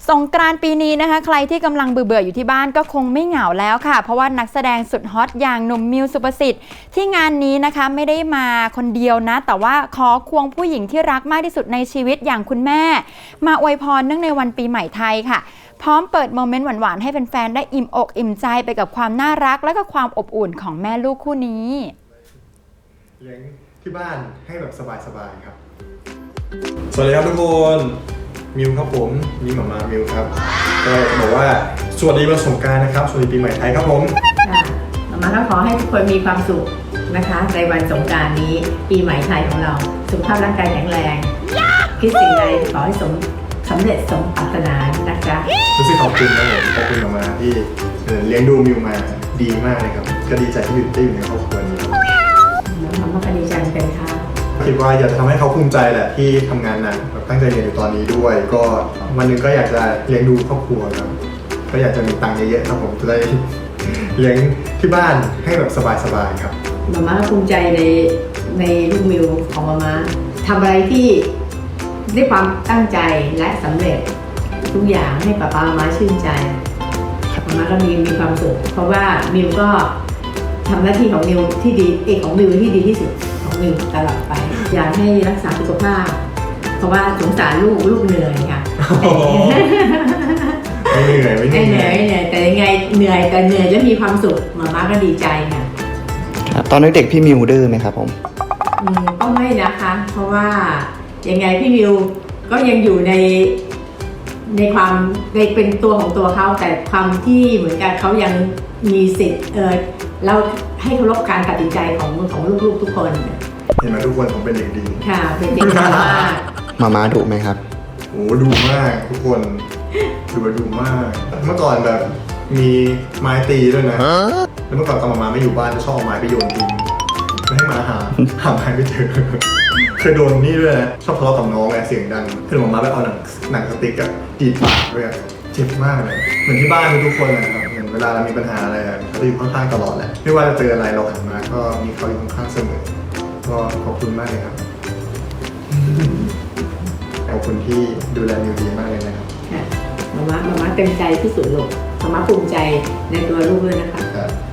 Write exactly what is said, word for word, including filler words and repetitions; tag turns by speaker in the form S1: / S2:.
S1: สงกรานต์ปีนี้นะคะใครที่กำลังเบื่อๆอยู่ที่บ้านก็คงไม่เหงาแล้วค่ะเพราะว่านักแสดงสุดฮอตอย่างหนุ่มมิวสุภสิทธิ์ที่งานนี้นะคะไม่ได้มาคนเดียวนะแต่ว่าขอควงผู้หญิงที่รักมากที่สุดในชีวิตอย่างคุณแม่มาอวยพรเนื่องในวันปีใหม่ไทยค่ะพร้อมเปิดโมเมนต์หวานๆให้แฟนๆได้อิ่มอกอิ่มใจไปกับความน่ารักและก็ความอบอุ่นของแม่ลูกคู่นี้
S2: เลี้ยงที่บ้านให้แบบสบายๆครับสวัสดีครับทุกคนมิวครับผมมิวหมามามิวครับก็จะบอกว่าสวัสดีวันสงกรานต์นะครับสวัสดีปีใหม่ไทยครับผม
S3: หมามาก็ขอให้ทุกคนมีความสุขนะคะในวันสงกรานต์นี้ปีใหม่ไทยของเราสุขภาพร่างกายแข็งแรงคิดสิ่งใดขอให้สมสำเร็จสมปรารถนานะจ๊ะ
S2: รู้สึกขอบคุณนะผมขอบคุณหมามาที่เลี้ยงดูมิวมาดีมากเลยครับก็ดีใจที่อยู่ได้อยู่ในครอบครัวนี้
S3: หมามาก็ดีใจเป็นค่ะ
S2: คิดว่าอยากจะทำให้เขาภูมิใจแหละที่ทำงานหนักแบบตั้งใจเรียนอยู่ตอนนี้ด้วยก็วันหนึ่งก็อยากจะเลี้ยงดูครอบครัวครับก็อยากจะมีตังค์เยอะๆครับผมจะได้เลี้ยงที่บ้านให้แบบสบายๆครับ
S3: หมาม่าภูมิใจในในลูกมิวของหมาม่าทำอะไรที่ด้วยความตั้งใจและสำเร็จทุกอย่างให้ป้าป้ามาชื่นใจหมาม่าก็มีมีความสุขเพราะว่ามิวก็ทำหน้าที่ของมิวที่ดีเอกของมิวที่ดีที่สุดของมิวตลอดไปอยากให้รักษาสุขภาพเพราะว่าสงสารลูกลูกเหนื่อยค่ะ
S2: ไม่เหนื่อยไม่เหนื่อย
S3: ไม่เหนื่อยแต่ยังไงเหนื่อยแต่เหนื่อยแล้วมีความสุขหมาม่าก็ดีใจค่ะ
S4: ตอนเด็กๆพี่มิวดื้อไหมครับผม
S3: อืมก็ไม่นะคะเพราะว่ายังไงพี่มิวก็ยังอยู่ในในความในเป็นตัวของตัวเขาแต่ความที่เหมือนกันเขายังมีสิทธิ์เออเราให้เคารพการตัดสินใจของของลูกๆทุกคน
S2: เห็นไหมทุกคนผมเป็นเด็กดี
S3: ค่ะเป็นเด็กดีมาก
S4: มาม่าดุไหมครับ
S2: โอ้ดุมากทุกคนดูว่าดุมากเมื่อก่อนแบบมีไม้ตีด้วยนะแล้วเมื่อก่อนตอนมาม่าไม่อยู่บ้านจะชอบเอาไม้ไปโยนทิ้งไม่ให้มาหาหาไม้ไม่เจอเคยโดนนี่ด้วยนะชอบทะเลาะกับน้องไงเสียงดังคือมาม่าไปเอาหนังหนังสติ๊กอะตีปากด้วยเจ็บมากเลยเหมือนที่บ้านทุกคนนะครับเหมือนเวลาเรามีปัญหาอะไรเขาจะอยู่ข้างๆตลอดแหละไม่ว่าจะเจออะไรเราหันมาก็มีเขาอยู่ข้างๆเสมอก็ขอบคุณมากเลยครับขอบคุณที่ดูแลมิวดีมากเลยนะครับ
S3: มาม่ามาม่าเต็มใจที่สุดลูกมาม่าภูมิใจในตัวลูกด้วยนะคะ